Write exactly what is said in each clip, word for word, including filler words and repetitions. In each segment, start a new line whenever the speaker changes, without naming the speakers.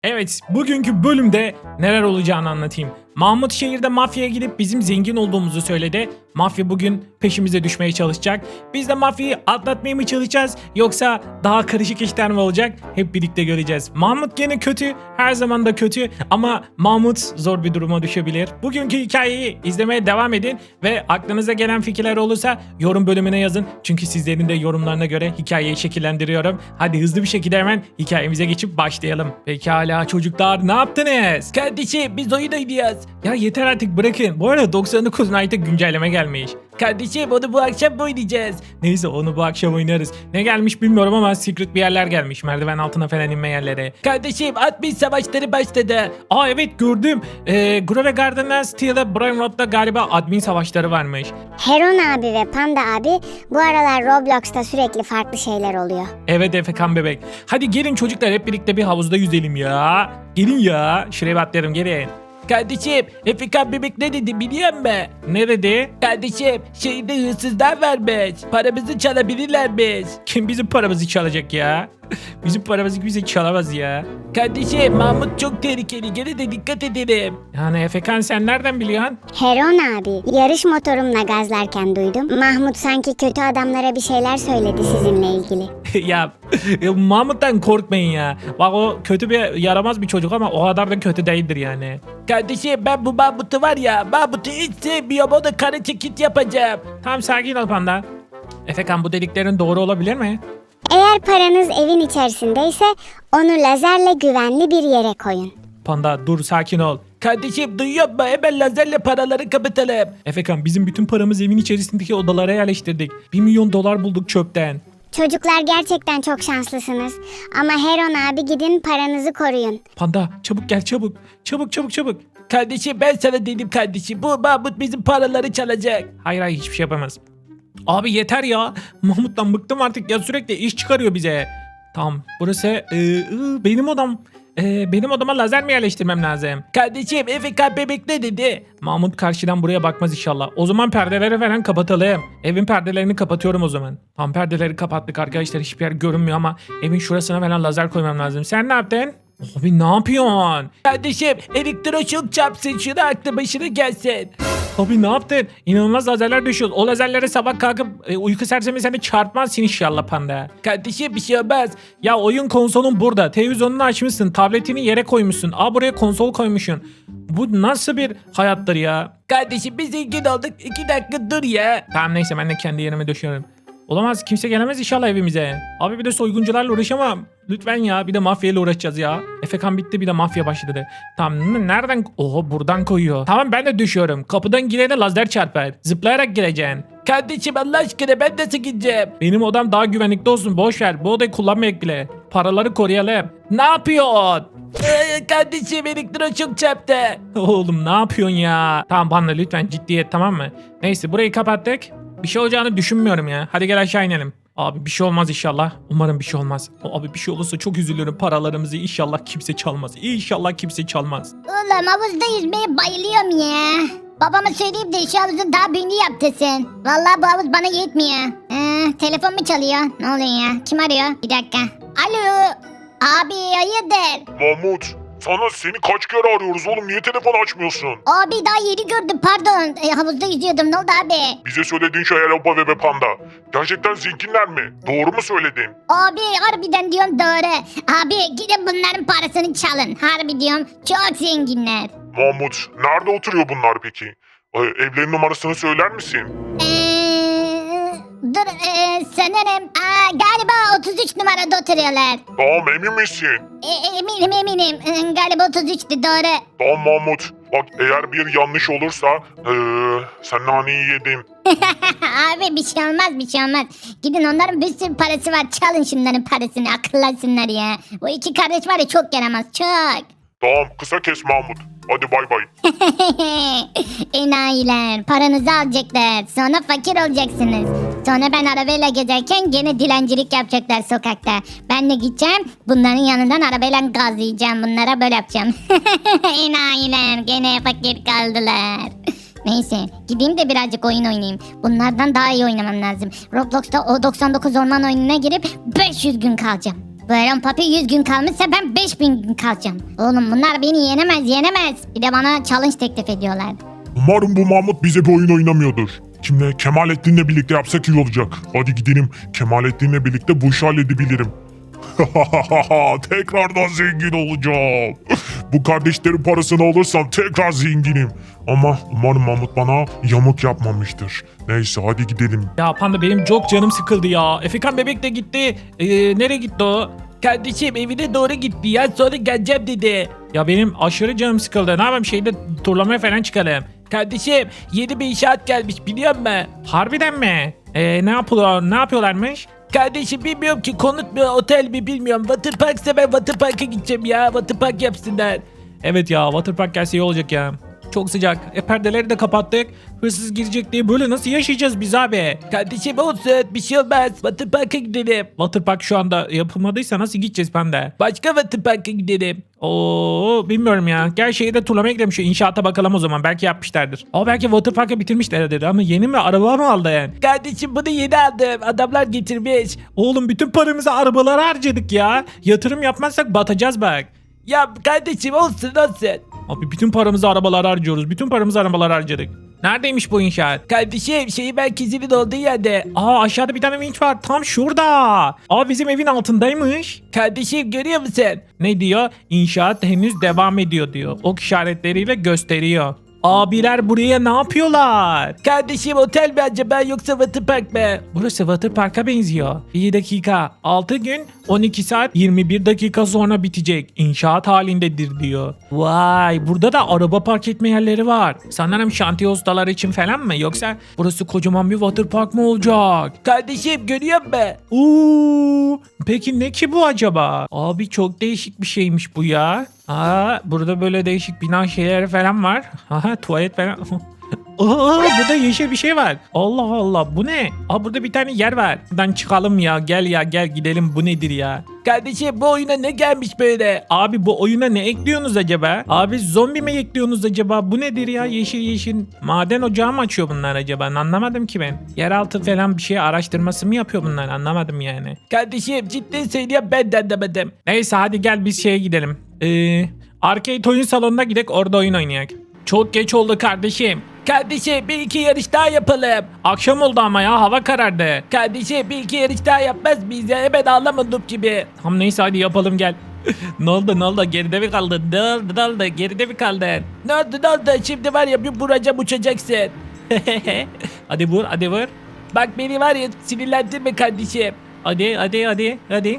Evet, bugünkü bölümde neler olacağını anlatayım. Mahmut şehirde mafyaya gidip bizim zengin olduğumuzu söyledi. Mafya bugün peşimize düşmeye çalışacak. Biz de mafyayı atlatmaya mı çalışacağız yoksa daha karışık işler mi olacak? Hep birlikte göreceğiz. Mahmut gene kötü, her zaman da kötü ama Mahmut zor bir duruma düşebilir. Bugünkü hikayeyi izlemeye devam edin ve aklınıza gelen fikirler olursa yorum bölümüne yazın. Çünkü sizlerin de yorumlarına göre hikayeyi şekillendiriyorum. Hadi hızlı bir şekilde hemen hikayemize geçip başlayalım. Pekala çocuklar, ne yaptınız? Kardeşim biz oyun oynuyoruz. Ya yeter artık, bırakın. Bu arada doksan dokuz Night'a güncelleme gelmiş. Kardeşim onu bu akşam oynayacağız. Neyse onu bu akşam oynarız. Ne gelmiş bilmiyorum ama secret bir yerler gelmiş. Merdiven altına falan inme yerleri. Kardeşim admin savaşları başladı. Aa evet gördüm. Ee, Grove Garden'dan Steel'e Brain Rot'ta galiba admin savaşları varmış.
Heron abi ve Panda abi bu aralar Roblox'ta sürekli farklı şeyler oluyor.
Evet Efekan bebek. Hadi gelin çocuklar hep birlikte bir havuzda yüzelim ya. Gelin ya. Şuraya bir atlayalım, gelin. Kardeşim Efekan bebek ne dedi biliyor musun? Ne dedi? Kardeşim şehirde hırsızlar varmış. Paramızı çalabilirlermiş. Kim bizim paramızı çalacak ya? Bizim paramızı kimse çalamaz ya. Kardeşim Mahmut çok tehlikeli. Gene de dikkat edelim. Yani Efekan sen nereden biliyorsun?
Heron abi yarış motorumla gazlarken duydum. Mahmut sanki kötü adamlara bir şeyler söyledi sizinle ilgili.
ya, ya Mahmut'tan korkmayın ya. Bak o kötü bir yaramaz bir çocuk ama o kadar da kötü değildir yani. Kardeşim ben bu Mahmut'u var ya, Mahmut'u hiç sevmiyorum, ona kara çekit yapacağım. Tamam sakin ol Panda. Efekan bu dediklerin doğru olabilir mi?
Eğer paranız evin içerisindeyse onu lazerle güvenli bir yere koyun.
Panda dur sakin ol. Kardeşim duyuyor musun? Hemen lazerle paraları kapatalım. Efekan bizim bütün paramızı evin içerisindeki odalara yerleştirdik. Bir milyon dolar bulduk çöpten.
Çocuklar gerçekten çok şanslısınız. Ama Heron abi gidin paranızı koruyun.
Panda çabuk gel çabuk. Çabuk çabuk çabuk. Kardeşim ben sana dedim kardeşim. Bu Mahmut bizim paraları çalacak. Hayır hayır hiçbir şey yapamaz. Abi yeter ya. Mahmut'tan bıktım artık ya, sürekli iş çıkarıyor bize. Tamam burası e, e, benim odam. E, benim odama lazer mi yerleştirmem lazım? Kardeşim Efekan bebek ne dedi? Mahmut karşıdan buraya bakmaz inşallah. O zaman perdeleri falan kapatalım. Evin perdelerini kapatıyorum o zaman. Tam perdeleri kapattık arkadaşlar, hiçbir yer görünmüyor ama evin şurasına falan lazer koymam lazım. Sen ne yaptın? Abi ne yapıyorsun? Kardeşim elektroşok çarpsın şunu, aklı başına gelsin. Abi ne yaptın? İnanılmaz lazerler düşüyor. O lazerlere sabah kalkıp e, uyku sersemi seni çarpmazsın inşallah Panda. Kardeşim bir şey olmaz. Ya oyun konsolun burada. Televizyonunu açmışsın. Tabletini yere koymuşsun. Aa buraya konsol koymuşsun. Bu nasıl bir hayattır ya? Kardeşim biz zengin olduk. İki dakika dur ya. Tamam neyse ben de kendi yerime döşüyorum. Olamaz, kimse gelemez inşallah evimize. Abi bir de soyguncularla uğraşamam. Lütfen ya, bir de mafyayla uğraşacağız ya. Efekan bitti, bir de mafya başladı. Tamam nereden? Oho buradan koyuyor. Tamam ben de düşüyorum. Kapıdan girene lazer çarpar. Zıplayarak gireceksin. Kardeşim Allah aşkına ben nasıl gideceğim? Benim odam daha güvenlikli olsun, boş ver. Bu odayı kullanmayak bile. Paraları koruyalım. Ne yapıyorsun? Ee, kardeşim elektroşok çarptı. Oğlum ne yapıyorsun ya? Tamam bana lütfen ciddiyet, tamam mı? Neyse burayı kapattık. Bir şey olacağını düşünmüyorum ya. Hadi gel aşağı inelim. Abi bir şey olmaz inşallah. Umarım bir şey olmaz. Abi bir şey olursa çok üzülürüm. Paralarımızı inşallah kimse çalmaz. İnşallah kimse çalmaz.
Oğlum havuzda yüzmeye bayılıyorum ya. Babama söyleyeyim de şu havuzun daha büyüğünü yaptırsın. Vallahi bu havuz bana yetmiyor. Ee, telefon mu çalıyor? Ne oluyor ya? Kim arıyor? Bir dakika. Alo. Abi hayırdır?
Mahmut, sana seni kaç kere arıyoruz oğlum, niye telefon açmıyorsun?
Abi daha yeni gördüm pardon. Ee, havuzda yüzüyordum, ne oldu abi?
Bize söylediğin şey Hello ve Panda. Gerçekten zenginler mi? Doğru mu söyledin?
Abi harbiden diyorum doğru. Abi gidin bunların parasını çalın. Harbi diyorum çok zenginler.
Mahmut, nerede oturuyor bunlar peki? Ee, evlerin numarasını söyler misin?
Eee... Dur ee, sanırım aa, galiba otuz üç numarada oturuyorlar.
Tamam, emin misin?
E, eminim eminim ee, galiba otuz üçtü doğru.
Tamam Mahmut. Bak eğer bir yanlış olursa ee, sen naneyi yedin.
Abi bir şey olmaz bir şey olmaz. Gidin onların bir sürü parası var, çalın şunların parasını, akıllasınlar ya. Bu iki kardeş var ya çok yaramaz çok.
Tamam, kısa kes Mahmut. Hadi bay bay.
Enayiler paranızı alacaklar, sonra fakir olacaksınız. Sonra ben arabayla gezerken gene dilencilik yapacaklar sokakta. Ben de gideceğim bunların yanından arabayla gazlayacağım, bunlara böyle yapacağım. Enayiler gene fakir kaldılar. Neyse gideyim de birazcık oyun oynayayım. Bunlardan daha iyi oynamam lazım. Roblox'ta o doksan dokuz orman oyununa girip beş yüz gün kalacağım. Bu Aaron Papi yüz gün kalmışsa ben beş bin gün kalacağım. Oğlum bunlar beni yenemez yenemez. Bir de bana challenge teklif ediyorlar.
Umarım bu Mahmut bize bir oyun oynamıyordur. Kimle? Kemalettin'le birlikte yapsak iyi olacak. Hadi gidelim. Kemalettin'le birlikte bu işi halledebilirim. Tekrardan zengin olacağım. Bu kardeşlerin parasını alırsam tekrar zenginim. Ama umarım Mahmut bana yamuk yapmamıştır. Neyse hadi gidelim.
Ya Panda benim çok canım sıkıldı ya. Efekan bebek de gitti. Ee, nereye gitti o? Kardeşim evine doğru gitti ya, sonra geleceğim dedi. Ya benim aşırı canım sıkıldı. Ne yapayım, şeyde turlamaya falan çıkalım. Kardeşim yeni bir inşaat gelmiş biliyor musun? Harbiden mi? Ee, ne yapıyorlar, ne yapıyorlarmış? Kardeşim bilmiyorum ki, konut mu otel mi bilmiyorum. Waterpark'sa ben Waterpark'a gideceğim ya. Waterpark yapsınlar. Evet ya, Waterpark gelse iyi olacak ya. Çok sıcak. E perdeleri de kapattık. Hırsız girecek diye böyle nasıl yaşayacağız biz abi? Kardeşim olsun, bir şey olmaz. Waterpark'a gidelim. Waterpark şu anda yapılmadıysa nasıl gideceğiz Panda? Başka Waterpark'a gidelim. Oo bilmiyorum ya. Gel şeyi de turlamaya gidelim, şu inşaata bakalım o zaman. Belki yapmışlardır. Ama belki Waterpark'a bitirmişler dedi. Ama yeni mi, araba mı aldı yani? Kardeşim bunu yeni aldım. Adamlar getirmiş. Oğlum bütün paramızı arabalara harcadık ya. Yatırım yapmazsak batacağız bak. Ya kardeşim olsun olsun. Abi bütün paramızı arabalara harcıyoruz. Bütün paramızı arabalara harcadık. Neredeymiş bu inşaat? Kardeşim şeyi merkezinin olduğu yerde. Aa aşağıda bir tane vinç var. Tam şurada. Aa bizim evin altındaymış. Kardeşim görüyor musun? Ne diyor? İnşaat henüz devam ediyor diyor. Ok işaretleriyle gösteriyor. Abiler buraya ne yapıyorlar? Kardeşim otel mi acaba yoksa Waterpark mı? Burası Waterpark'a benziyor. Bir dakika. altı gün on iki saat yirmi bir dakika sonra bitecek. İnşaat halindedir diyor. Vay, burada da araba park etme yerleri var. Sanırım şantiye ustaları için falan mı? Yoksa burası kocaman bir Waterpark mı olacak? Kardeşim görüyor musun? Uuu. Peki ne ki bu acaba? Abi çok değişik bir şeymiş bu ya. Aa, burada böyle değişik bina şeyleri falan var. Aha, tuvalet falan. Aa, burada yeşil bir şey var. Allah Allah, bu ne? Aa, burada bir tane yer var. Buradan çıkalım ya, gel ya gel gidelim, bu nedir ya? Kardeşim bu oyuna ne gelmiş böyle? Abi bu oyuna ne ekliyorsunuz acaba? Abi zombi mi ekliyorsunuz acaba? Bu nedir ya, yeşil yeşil? Maden ocağı mı açıyor bunlar acaba? Anlamadım ki ben. Yeraltı falan bir şey araştırması mı yapıyor bunlar? Anlamadım yani. Kardeşim ciddi söylüyorum, ben de anlamadım. Neyse hadi gel biz şeye gidelim. Eee... Arcade oyun salonuna gidelim, orada oyun oynayak. Çok geç oldu kardeşim. Kardeşim bir iki yarış daha yapalım. Akşam oldu ama ya, hava karardı. Kardeşim bir iki yarış daha yapmaz mıyız ya, hemen ağlamadık gibi. Tamam neyse hadi yapalım gel. Ne oldu ne oldu, geride mi kaldın? Ne oldu ne oldu, geride mi kaldın? Ne oldu ne oldu, şimdi var ya bir vuracağım uçacaksın. Hadi vur hadi vur. Bak beni var ya sinirlendirme kardeşim. Hadi hadi hadi hadi.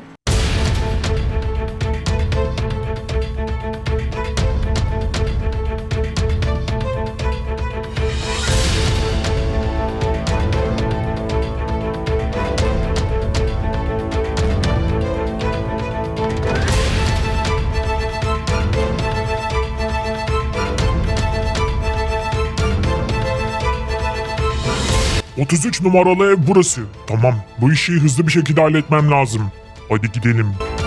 otuz üç numaralı ev burası. Tamam, bu işi hızlı bir şekilde halletmem lazım. Hadi gidelim.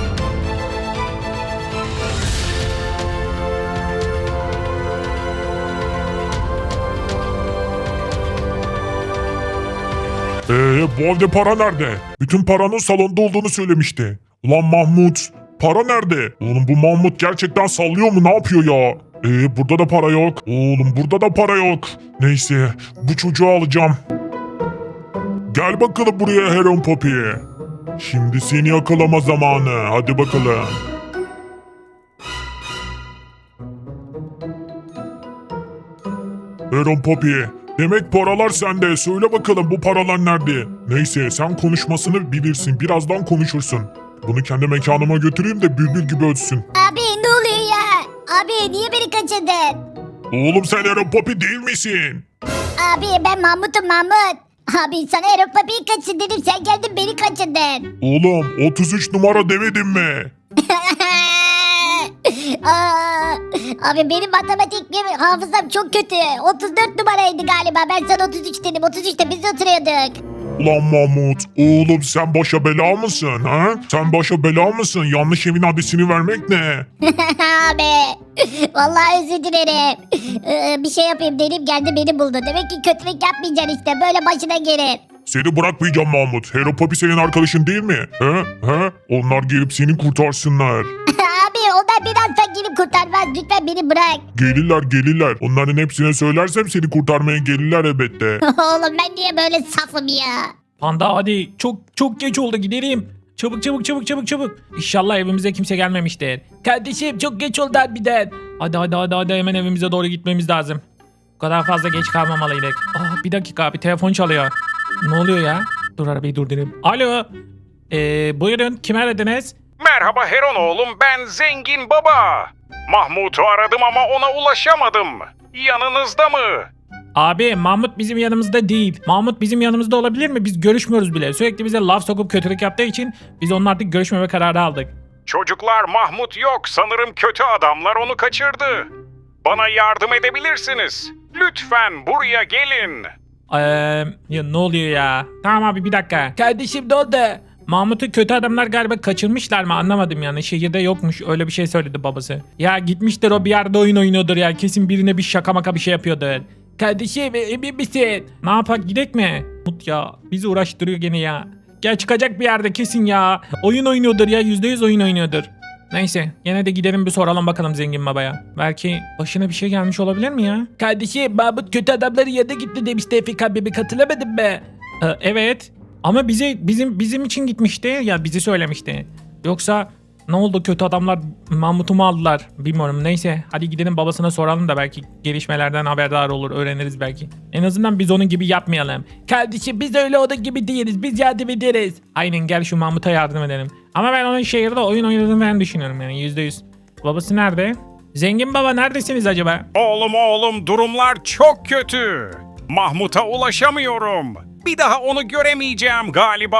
Eee bu evde para nerede? Bütün paranın salonda olduğunu söylemişti. Ulan Mahmut, para nerede? Oğlum bu Mahmut gerçekten sallıyor mu, ne yapıyor ya? Eee burada da para yok. Oğlum burada da para yok. Neyse bu çocuğu alacağım. Gel bakalım buraya Heron Poppy. Şimdi seni yakalama zamanı. Hadi bakalım. Heron Poppy. Demek paralar sende. Söyle bakalım bu paralar nerede? Neyse sen konuşmasını bilirsin. Birazdan konuşursun. Bunu kendi mekanıma götüreyim de bülbül gibi ötsün.
Abi ne oluyor ya? Abi niye beni kaçırdın?
Oğlum sen Heron Poppy değil misin?
Abi ben Mahmut'um Mahmut. Abi sana Aaron Papi'yi kaçır dedim, sen geldin beni kaçırdın.
Oğlum otuz üç numara demedim mi?
Aa, abi benim matematik gibi hafızam çok kötü. otuz dört numaraydı galiba. Ben sana otuz üç dedim. otuz üçte biz oturuyorduk.
Ulan Mahmut, oğlum sen başa bela mısın ha? Sen başa bela mısın? Yanlış evin adresini vermek ne?
Abi vallahi özür dilerim. Ee, bir şey yapayım dedim, geldi beni buldu. Demek ki kötülük yapmayacaksın işte, böyle başına gelir.
Seni bırakmayacağım Mahmut. Hello Papi senin arkadaşın değil mi? He? He? Onlar gelip seni kurtarsınlar.
Abi o da biraz fakiri kurtarmaz. Lütfen beni bırak.
Gelirler gelirler. Onların hepsine söylersem seni kurtarmaya gelirler elbette.
Oğlum ben niye böyle safım ya?
Panda hadi çok çok geç oldu gidelim. Çabuk çabuk çabuk çabuk çabuk. İnşallah evimize kimse gelmemiştir. Kardeşim çok geç oldu harbiden. Hadi hadi hadi hadi hemen evimize doğru gitmemiz lazım. Bu kadar fazla geç kalmamalıydık. Ah bir dakika abi telefon çalıyor. Ne oluyor ya? Dur arabayı durdurayım. Alo. Ee, buyurun kim aradınız?
Merhaba Heron oğlum, ben Zengin Baba. Mahmut'u aradım ama ona ulaşamadım. Yanınızda mı?
Abi Mahmut bizim yanımızda değil. Mahmut bizim yanımızda olabilir mi? Biz görüşmüyoruz bile. Sürekli bize laf sokup kötülük yaptığı için biz onunla artık görüşmeme kararı aldık.
Çocuklar, Mahmut yok. Sanırım kötü adamlar onu kaçırdı. Bana yardım edebilirsiniz. Lütfen buraya gelin.
Eee ya ne oluyor ya? Tamam abi bir dakika. Kardeşim ne oldu? Mahmut'u kötü adamlar galiba kaçırmışlar mı anlamadım yani. Şehirde yokmuş öyle bir şey söyledi babası. Ya gitmiştir o bir yerde oyun oynuyordur ya. Kesin birine bir şaka maka bir şey yapıyordur. Kardeşim emin misin? Ne yapak gidek mi? Mut ya bizi uğraştırıyor gene ya. Gel çıkacak bir yerde kesin ya. Oyun oynuyordur ya yüzde yüz oyun oynuyordur. Neyse gene de gidelim bir soralım bakalım zengin babaya. Belki başına bir şey gelmiş olabilir mi ya? Kardeşim Mahmut kötü adamların yanına gitti demişti Efik abimi hatırlamadın mı? Ee, evet ama bize bizim bizim için gitmişti ya bizi söylemişti. Yoksa ne oldu kötü adamlar Mahmut'u mu aldılar bilmiyorum neyse hadi gidelim babasına soralım da belki gelişmelerden haberdar olur öğreniriz belki. En azından biz onun gibi yapmayalım. Kardeşim biz öyle onun gibi değiliz biz yardım ederiz. Aynen gel şu Mahmut'a yardım edelim. Ama ben onun şehirde oyun oynadığını ben düşünüyorum yani yüzde yüz. Babası nerede? Zengin baba neredesiniz acaba?
Oğlum oğlum, durumlar çok kötü. Mahmut'a ulaşamıyorum. Bir daha onu göremeyeceğim galiba.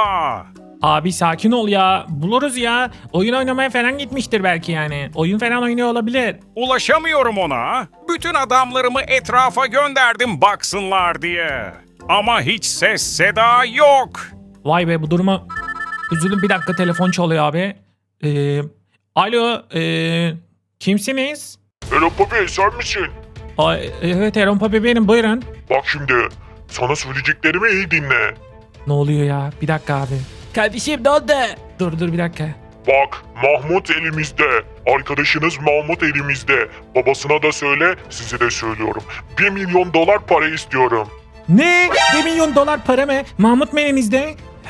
Abi sakin ol ya. Buluruz ya. Oyun oynamaya falan gitmiştir belki yani. Oyun falan oynuyor olabilir.
Ulaşamıyorum ona. Bütün adamlarımı etrafa gönderdim baksınlar diye. Ama hiç ses seda yok.
Vay be bu duruma üzüldüm. Bir dakika telefon çalıyor abi. Ee, alo. Ee, kimsiniz?
Hello Papi sen misin?
Ay, evet Erol Papi benim buyurun.
Bak şimdi sana söyleyeceklerimi iyi dinle.
Ne oluyor ya? Bir dakika abi. Kardeşim ne oldu? Dur dur bir dakika.
Bak Mahmut elimizde. Arkadaşınız Mahmut elimizde. Babasına da söyle size de söylüyorum. Bir milyon dolar para istiyorum.
Ne? Bir milyon dolar para mı? Mahmut mu elinizde?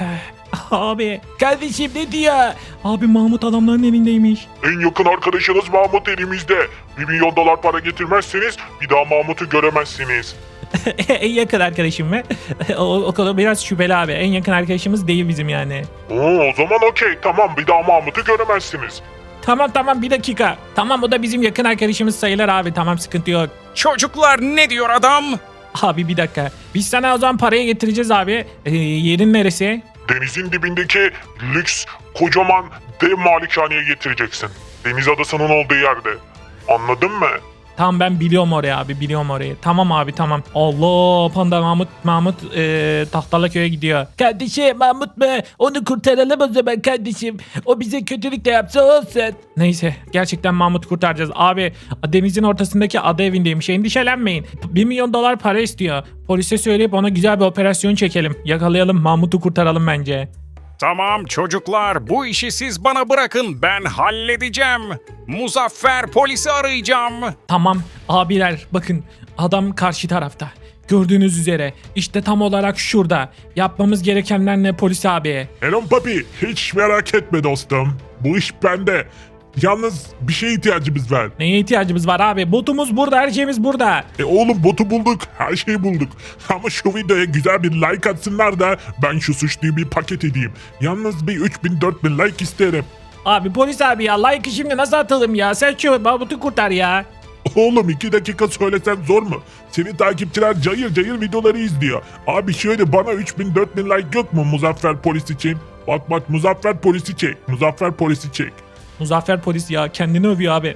Abi. Kardeşim ne diyor? Abi Mahmut adamların elindeymiş.
En yakın arkadaşınız Mahmut elimizde. Bir milyon dolar para getirmezseniz bir daha Mahmut'u göremezsiniz.
En yakın arkadaşım mı? o, o kadar biraz şüpheli abi. En yakın arkadaşımız değil bizim yani.
Oo, o zaman okey tamam bir daha Mahmut'u göremezsiniz.
Tamam tamam bir dakika. Tamam o da bizim yakın arkadaşımız sayılır abi. Tamam sıkıntı yok.
Çocuklar, ne diyor adam?
Abi bir dakika. Biz sana o zaman parayı getireceğiz abi. Ee, yerin neresi?
Denizin dibindeki lüks kocaman dev malikaneye getireceksin. Deniz adasının olduğu yerde. Anladın mı?
Tamam ben biliyorum oraya abi biliyorum orayı. Tamam abi tamam. Allah Panda Mahmut Mahmut e, Tahtalaköy'e gidiyor. Kardeşim Mahmut mu? Onu kurtaralım o zaman kardeşim. O bize kötülük de yapsa olsun. Neyse gerçekten Mahmut'u kurtaracağız. Abi denizin ortasındaki ada evindeymiş. Endişelenmeyin. bir milyon dolar para istiyor. Polise söyleyip ona güzel bir operasyon çekelim. Yakalayalım Mahmut'u kurtaralım bence.
Tamam çocuklar, bu işi siz bana bırakın, ben halledeceğim. Muzaffer polisi arayacağım.
Tamam abiler bakın adam karşı tarafta. Gördüğünüz üzere işte tam olarak şurada. Yapmamız gerekenler ne polis abi?
Hello Papi hiç merak etme dostum. Bu iş bende. Yalnız bir şeye ihtiyacımız var.
Neye ihtiyacımız var abi? Botumuz burada her şeyimiz burada.
E oğlum botu bulduk. Her şeyi bulduk. Ama şu videoya güzel bir like atsınlar da ben şu suçluyu bir paket edeyim. Yalnız bir üç bin dört bin like isterim.
Abi polis abi ya like'ı şimdi nasıl atalım ya? Sen şu Mahmut'u kurtar ya.
Oğlum iki dakika söylesem zor mu? Senin takipçiler cayır cayır videoları izliyor. Abi şöyle bana üç bin dört bin like yok mu Muzaffer polis için? Bak bak Muzaffer polisi çek. Muzaffer polisi çek.
Muzaffer polis ya kendini övüyor abi.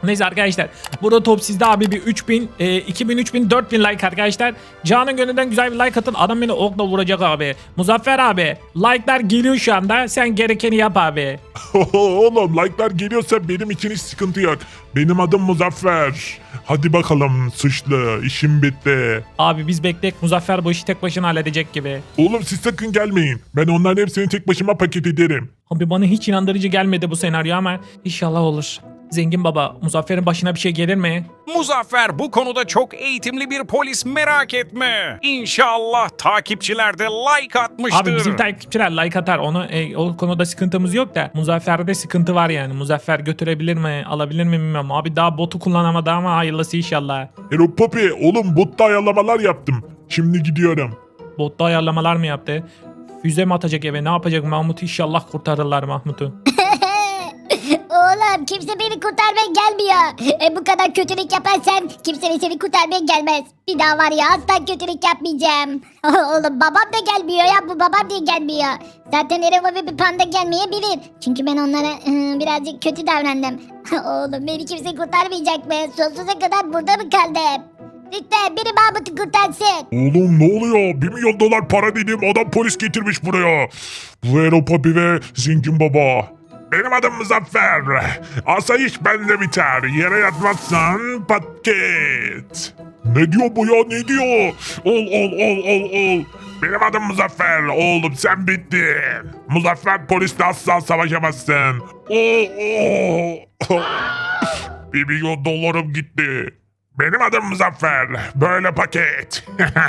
Neyse arkadaşlar. Burada top sizde abi bir üç bin, e, iki bin, üç bin, dört bin like arkadaşlar. Canın gönlünden güzel bir like atın. Adam beni okla vuracak abi. Muzaffer abi. Like'lar geliyor şu anda. Sen gerekeni yap abi.
Oğlum like'lar geliyorsa benim için hiç sıkıntı yok. Benim adım Muzaffer. Hadi bakalım suçlu, işim bitti.
Abi biz beklek. Muzaffer bu işi tek başına halledecek gibi.
Oğlum siz sakın gelmeyin. Ben onların hepsini tek başıma paket ederim.
Abi bana hiç inandırıcı gelmedi bu senaryo ama inşallah olur. Zengin baba, Muzaffer'in başına bir şey gelir mi?
Muzaffer bu konuda çok eğitimli bir polis, merak etme. İnşallah takipçiler de like atmıştır.
Abi bizim takipçiler like atar. Onu e, o konuda sıkıntımız yok da Muzaffer'de sıkıntı var yani. Muzaffer götürebilir mi, alabilir mi bilmiyorum. Abi daha botu kullanamadı ama hayırlısı inşallah.
Hero Poppy oğlum botta ayarlamalar yaptım. Şimdi gidiyorum.
Botta ayarlamalar mı yaptı? Füze mi atacak eve? Ne yapacak Mahmut? İnşallah kurtarırlar Mahmut'u.
Oğlum kimse beni kurtarmaya gelmiyor. E, bu kadar kötülük yaparsan kimse seni kurtarmaya gelmez. Bir daha var ya asla kötülük yapmayacağım. Oğlum babam da gelmiyor ya, bu babam diye gelmiyor. Zaten Ereva ve bir panda gelmeyebilir. Çünkü ben onlara ıı, birazcık kötü davrandım. Oğlum beni kimse kurtarmayacak mı? Sonsuza kadar burada mı kaldım? Lütfen biri Mahmut'u kurtarsın.
Oğlum ne oluyor? Bir milyon dolar para dediğim adam polis getirmiş buraya. Bu Hero Poppy ve Zengin Baba. Benim adım Muzaffer. Asayiş bende biter. Yere yatmazsan paket. Ne diyor bu ya, ne diyor? Ol ol ol ol ol. Benim adım Muzaffer. Oğlum sen bittin. Muzaffer polisle asla savaşamazsın. Oo, oo. Bir milyon dolarım gitti. Benim adım Muzaffer. Böyle paket.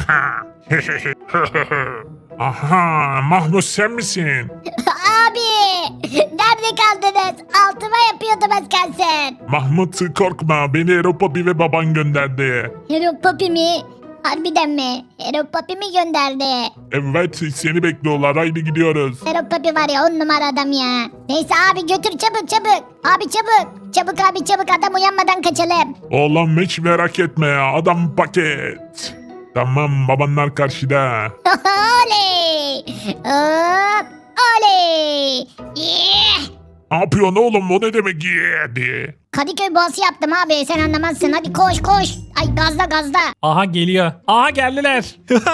Aha, Mahmut sen misin?
Abi nerede kaldınız? Altıma yapıyordum az kalsın.
Mahmut korkma, beni Hero Poppy ve baban gönderdi.
Hero Poppy mi? Harbiden mi? Hero Poppy mi gönderdi?
Evet, seni bekliyorlar, haydi gidiyoruz.
Hero Poppy var ya on numara adam ya. Neyse abi götür çabuk çabuk. Abi çabuk. Çabuk abi çabuk, adam uyanmadan kaçalım.
Oğlum hiç merak etme ya, adam paket. Tamam, babanlar karşıda.
Oley. Hop. Oley. Yeah.
Ne yapıyorsun oğlum, o ne demek yedi?
Kadıköy boğası yaptım abi, sen anlamazsın. Hadi koş koş. Ay gazla gazla.
Aha geliyor. Aha geldiler.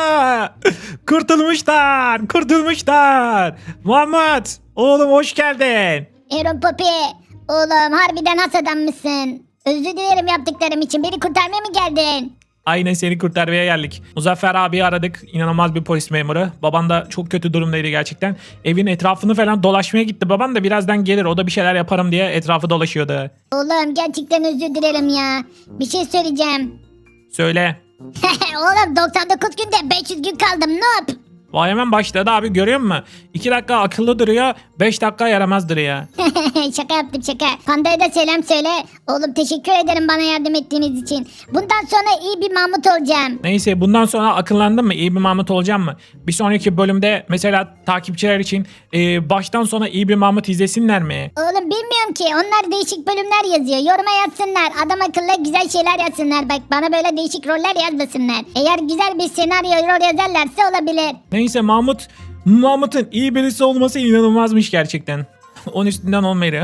Kurtulmuşlar. Kurtulmuşlar. Mahmut. Oğlum hoş geldin.
Hero Poppy. Oğlum harbiden has adammışsın. Özür dilerim yaptıklarım için. Beni kurtarmaya mı geldin?
Aynen seni kurtarmaya geldik. Muzaffer abi aradık. İnanılmaz bir polis memuru. Baban da çok kötü durumdaydı gerçekten. Evin etrafını falan dolaşmaya gitti. Baban da birazdan gelir. O da bir şeyler yaparım diye etrafı dolaşıyordu.
Oğlum gerçekten özür dilerim ya. Bir şey söyleyeceğim.
Söyle.
Oğlum doksan dokuz günde beş yüz gün kaldım. Ne yap?
Vay hemen başladı abi, görüyor musun? iki dakika akıllı duruyor. beş dakika yaramaz duruyor.
Şaka yaptım şaka. Panda'ya da selam söyle. Oğlum teşekkür ederim bana yardım ettiğiniz için. Bundan sonra iyi bir Mahmut olacağım.
Neyse bundan sonra akıllandın mı? İyi bir Mahmut olacağım mı? Bir sonraki bölümde mesela takipçiler için e, baştan sona iyi bir Mahmut izlesinler mi?
Oğlum bilmiyorum ki. Onlar değişik bölümler yazıyor. Yoruma yazsınlar. Adam akıllı güzel şeyler yazsınlar. Bak bana böyle değişik roller yazmasınlar. Eğer güzel bir senaryo rol yazarlarsa olabilir.
Neyse Mahmut, Mahmut'un iyi birisi olması inanılmazmış gerçekten. On üstünden on veriyor.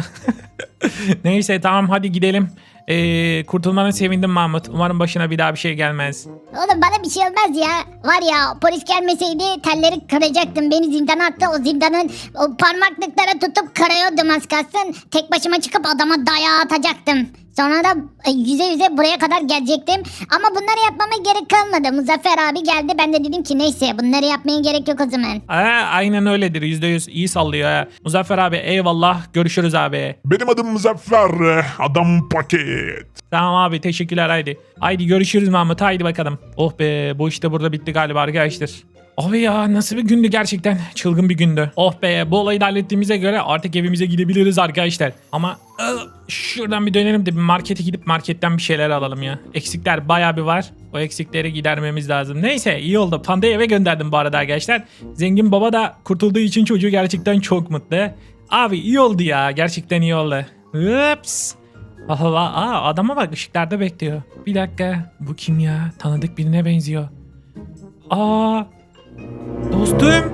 Neyse tamam hadi gidelim. Ee, kurtulmana sevindim Mahmut. Umarım başına bir daha bir şey gelmez.
Oğlum bana bir şey olmaz ya. Var ya polis gelmeseydi telleri kıracaktım. Beni zindana attı. O zindanın o parmaklıklara tutup kırıyordum az kalsın. Tek başıma çıkıp adama dayağı atacaktım. Sonra da e, yüze yüze buraya kadar gelecektim. Ama bunları yapmama gerek kalmadı. Muzaffer abi geldi. Ben de dedim ki neyse bunları yapmaya gerek yok o zaman.
Aa, aynen öyledir, yüzde yüz iyi sallıyor ha. Muzaffer abi eyvallah, görüşürüz abi.
Benim adım Muzaffer, adam paket.
Tamam abi teşekkürler haydi. Haydi görüşürüz Mahmut, haydi bakalım. Oh be, bu işte burada bitti galiba arkadaşlar. Abi ya nasıl bir gündü gerçekten, çılgın bir gündü. Oh be, bu olayı da hallettiğimize göre artık evimize gidebiliriz arkadaşlar. Ama ıı, şuradan bir dönelim de bir markete gidip marketten bir şeyler alalım ya. Eksikler bayağı bir var. O eksikleri gidermemiz lazım. Neyse iyi oldu. Panda'yı eve gönderdim bu arada arkadaşlar. Zengin baba da kurtulduğu için çocuğu gerçekten çok mutlu. Abi iyi oldu ya, gerçekten iyi oldu. Ups. Allah, aa, adama bak ışıklarda bekliyor. Bir dakika, bu kim ya? Tanıdık birine benziyor. Aa, dostum.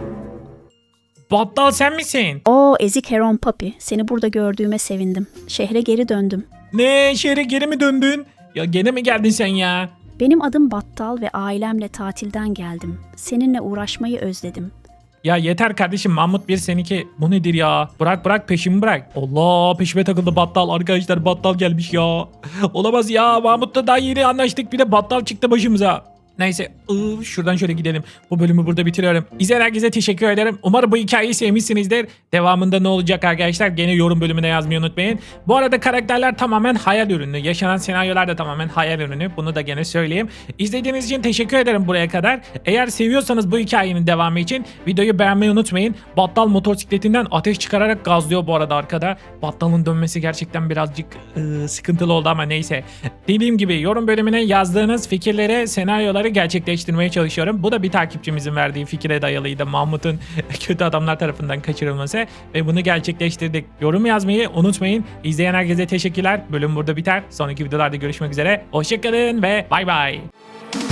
Battal sen misin?
Oo ezik Heron Papi. Seni burada gördüğüme sevindim. Şehre geri döndüm.
Ne, şehre geri mi döndün? Ya gene mi geldin sen ya?
Benim adım Battal ve ailemle tatilden geldim. Seninle uğraşmayı özledim.
Ya yeter kardeşim, Mahmut bir seninki. Bu nedir ya? Bırak bırak, peşimi bırak. Allah, peşime takıldı Battal. Arkadaşlar Battal gelmiş ya. Olamaz ya, Mahmut'la daha yeni anlaştık, bir de Battal çıktı başımıza. Neyse, ıı, şuradan şöyle gidelim. Bu bölümü burada bitiriyorum. İzleyen herkese teşekkür ederim. Umarım bu hikayeyi sevmişsinizdir. Devamında ne olacak arkadaşlar? Gene yorum bölümüne yazmayı unutmayın. Bu arada karakterler tamamen hayal ürünü. Yaşanan senaryolar da tamamen hayal ürünü. Bunu da gene söyleyeyim. İzlediğiniz için teşekkür ederim buraya kadar. Eğer seviyorsanız bu hikayenin devamı için videoyu beğenmeyi unutmayın. Battal motosikletinden ateş çıkararak gazlıyor bu arada arkada. Battal'ın dönmesi gerçekten birazcık ıı, sıkıntılı oldu ama neyse. Dediğim gibi yorum bölümüne yazdığınız fikirleri, senaryoları gerçekleştirmeye çalışıyorum. Bu da bir takipçimizin verdiği fikire dayalıydı. Mahmut'un kötü adamlar tarafından kaçırılması ve bunu gerçekleştirdik. Yorum yazmayı unutmayın. İzleyen herkese teşekkürler. Bölüm burada biter. Sonraki videolarda görüşmek üzere. Hoşçakalın ve bay bay.